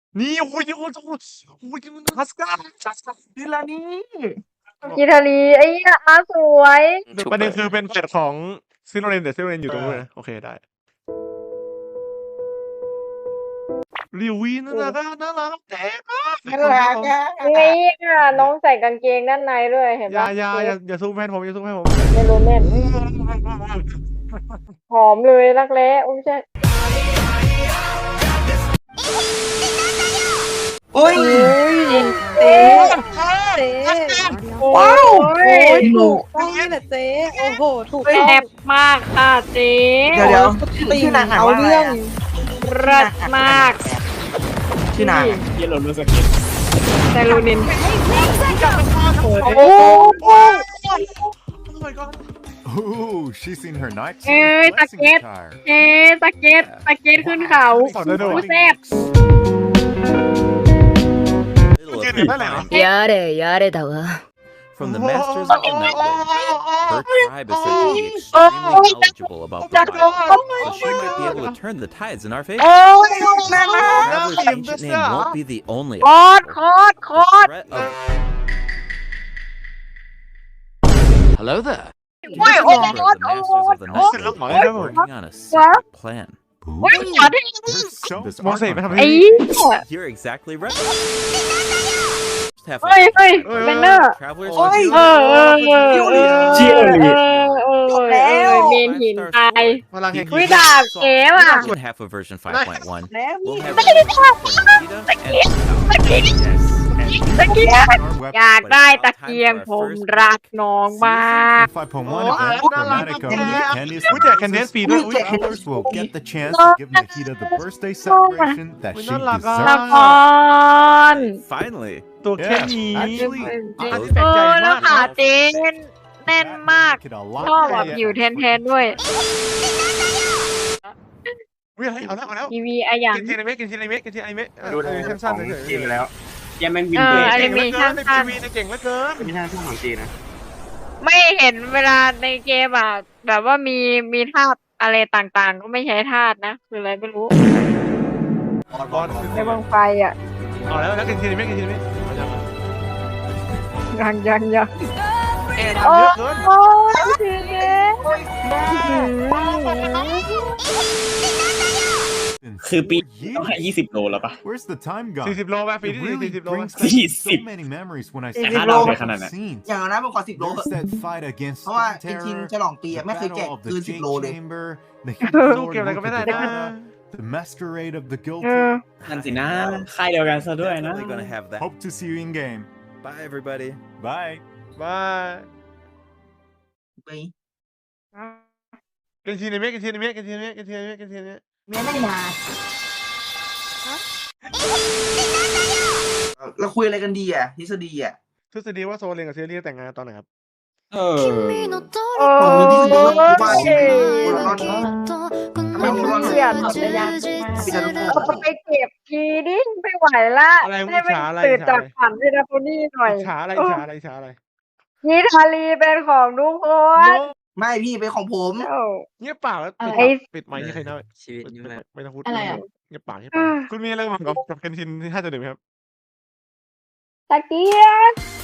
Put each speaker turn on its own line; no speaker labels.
นี่โอ้ยโอ้ยโอ้ยโอ้ยฮัสก้าดิลานี่
กิทารีไอ้เหี้ยอาสวย
ประเด็นคือเป็นแฟลชของซิโนเรนแต่ซิโนเรนอยู่ตรงนู้นนะโอเคได้ริวีน่ารักแต่
น่ารักอ่ะ
ไอ้เหี้ยน้องใส่กางเกงด้านในด้วยเห็น
อย่า
ปะ
อย่าสู้แม่ผมอย่าสู้แม่ผม
เมโลเมนหอมเลยรักแร้อุ้ยใช่
โอ้ย
เจ๊เจ๊
ว้าว
โอ้ย
ถูก
ต้องนี่แหละเจ๊โอ้โห ถูก
แซ่บมากค่ะเจ๊
เดี๋ยว
ติ่ง
ชื่อนางอ่าน
เอา
ว่าอะไร
เรื่อง
อะ
เลิศมาก
ชื่อนาง
เยลโลลูสกิน
ไซรูนิน
โอ้
โอ้
my god
Ooh, she's in her night
Ê, ta
blessing
chết.
attire.
เจ๊ตะเก็ตขึ้นเขา
สอนได้ด้วย
โอ้แซ่บ
ยืนอยู่นั่นแหละ
やれやれだわ
From the masters of the Nightlight, her tribe is said to be extremely knowledgeable about the Bible, so she might be able to turn the tides in our favor.
โอ้ย
Traveler's ancient name won't be the only
คอด
obstacle.
คอดคอด
The threat of
Hello there
โอ้ย
the
โอ้ย
masters
โอ้ย
of the Nightlight
Look,
are
look.
working on a secret plan.
โอ้ยขอที่
There's so
Moses,
much
man,
art
ไอ้
how
by-
เหี้ย
You're exactly right. Have
เฮ้ย
fun.
เฮ้ยเป็นเนอร์
Travelers
โอ้ย
เออเมนหินตาย
พลังแห่ง
อุ้ยดาบเก๋ว่ะ
in half of version 5.1.
แล้ว
We'll have
Look at it.
rewards for Nikita and
Thank you. ตะเกียบ
art web-
อยากได้ตะเกียงผมรักน้องมาก
5.1
Oh,
event,
I
Chromatic
love
of the
that.
Candies
Ooh, yeah, Candice feed.
Those
Ooh,
travelers will get the chance to give Nikita the birthday celebration that
Ooh,
she
น่ารักอ่ะ
ละ
deserves.
คร
Finally,
ตัวแค่นี้
Actually,
อัน
I
นี้แปลกใจ
แล้ว
มาก
ขาเจ๊แน่นมาก
make it a
ชอบ
lot
แบบผิวแทนๆด้วย
อุ้ยเอาแล้ว
ทีวีอะอย่าง
กินทีไอเมะ
ดูได้
สั้นๆเฉย
จีนแล้ว
ยังแม่งวิน
เอ
เบ
อ
ร
อะ
ก
ไร
เก่งเหลือเกินในทีวีเก่งเหลือเกิน
ไม่ใช่ช่วงของจีนนะ
ไม่เห็นเวลาในเกมอ่ะแบบว่ามีธาตุอะไรต่างๆ ก็ไม่ใช้ธาตุนะ คืออะไรไม่รู้
บอล
ในวงไฟอ่ะ
เอาแล้วกินทีไอเมะ
ยัง
เอ็น
โอ้
ทำเยอะเกิน
โหทีนี้
in
คือปี
4
ต้องให้
years.
20 โลแล้วปะ
Where's the time gone?
40 โลป่ะปี
It
ที่
really
40 โล
brings
ป่ะ
back so
40
many memories when I
แต่
see
ถ้าเรา
all
ไป
the
ขนาดนั้น
scenes.
อย่างนั้นผมขอ10 โล
There's that fight against
เพราะว่า
Storm
จริง
Terror,
ๆฉลองปีอะ
the
ไม่เคยแกะ
battle of
เกิน
the
10 โล
Jade
เลย
Chamber, the
สู้
Hidden
เกมอะไร
Lord
ก็ไม่ได้
Luca
นะ
Devada, the Masquerade of the
เอ
Guilty.
อ
นั่นสินะ ค่ายเดียวกันซะด้วยนะ
definitely gonna have that.
Hope to see you in game.
Bye, everybody.
Bye.
บาย
ไป
กินทีไอเมะ
เมียไม่มาเราคุยอะไรกันดีอ่ะทฤษฎีอ่ะ
ทฤษฎีว่าโซเลนกับเซเรียแต่งงานตอนไหนครับ
เออ
โอ้
มีทฤษฎีว่า
ย
ว่าคนละรอดทำไมคนละรอด
เสียจักรยาน
พี่จะรู้
เอาไปเก็บทีดิไม่ไหวละ
อะไร
ให้มัน
อิจฉาอะไร
ตื่นจากฝันให้นะโพนี่หน่อย
อิจฉาอะไร
นิทาลีเป็นของทุกคน
ไม่พี่เป็นของผม
โอ้
เงียบปากแล้ว
ไอ้
ปิดไมค์ที่ใครนะ
ชีวิตนี้แหละ
ไม่ต้องพูด
อะไรอ่ะ
เงียบปากคุณมีอะไรกับเคนชินที่5.1ไหมครับ
ตะเกียบ